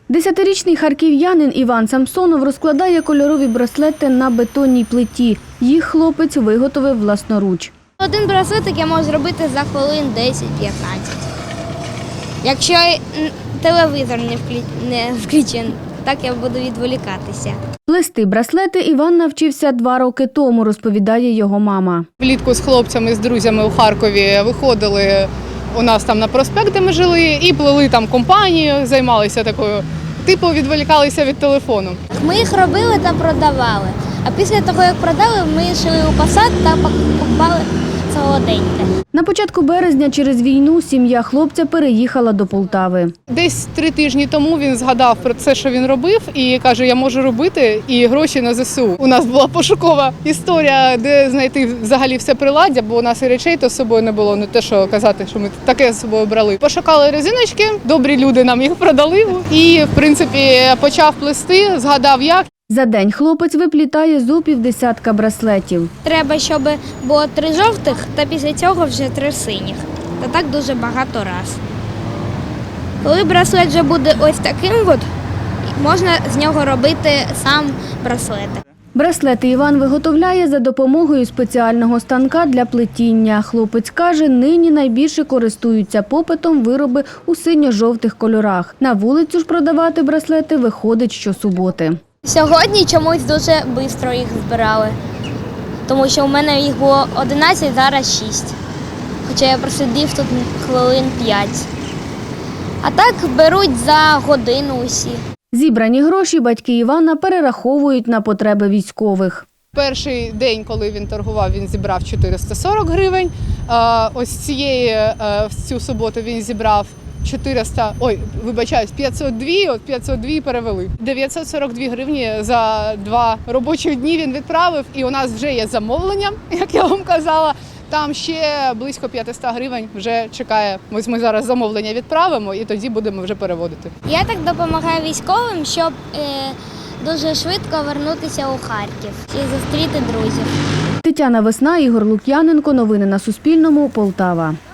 10-річний харків'янин Іван Самсонов розкладає кольорові браслети на бетонній плиті. Їх хлопець виготовив власноруч. Один браслетик я можу зробити за хвилин 10-15. Якщо телевізор не включений, так я буду відволікатися. Плести браслети Іван навчився 2 роки тому, розповідає його мама. Влітку з хлопцями, з друзями у Харкові виходили у нас там на проспект, де ми жили, і плели там компанію, займалися такою, типу відволікалися від телефону. Ми їх робили та продавали. А після того, як продали, ми йшли у посад та покупали солоденьке. На початку березня через війну сім'я хлопця переїхала до Полтави. Десь 3 тижні тому він згадав про це, що він робив, і каже, я можу робити і гроші на ЗСУ. У нас була пошукова історія, де знайти взагалі все приладдя, бо у нас і речей то з собою не було, не те, що казати, що ми таке з собою брали. Пошукали резиночки, добрі люди нам їх продали і, в принципі, почав плести, згадав як. За день хлопець виплітає зо півдесятка браслетів. Треба, щоб було 3 жовтих та після цього вже 3 синіх. Та так дуже багато раз. Коли браслет вже буде ось таким, можна з нього робити сам браслетик. Браслети Іван виготовляє за допомогою спеціального станка для плетіння. Хлопець каже, нині найбільше користуються попитом вироби у синьо-жовтих кольорах. На вулицю ж продавати браслети виходить щосуботи. Сьогодні чомусь дуже швидко їх збирали, тому що у мене їх було 11, зараз 6. Хоча я просидів тут хвилин 5. А так беруть за годину усі. Зібрані гроші батьки Івана перераховують на потреби військових. Перший день, коли він торгував, він зібрав 440 гривень. Ось в цю суботу він зібрав 502 перевели. 942 гривні за 2 робочі дні він відправив, і у нас вже є замовлення, як я вам казала. Там ще близько 500 гривень вже чекає. Ми зараз замовлення відправимо і тоді будемо вже переводити. Я так допомагаю військовим, щоб дуже швидко повернутися у Харків і зустріти друзів. Тетяна Весна, Ігор Лук'яненко. Новини на Суспільному. Полтава.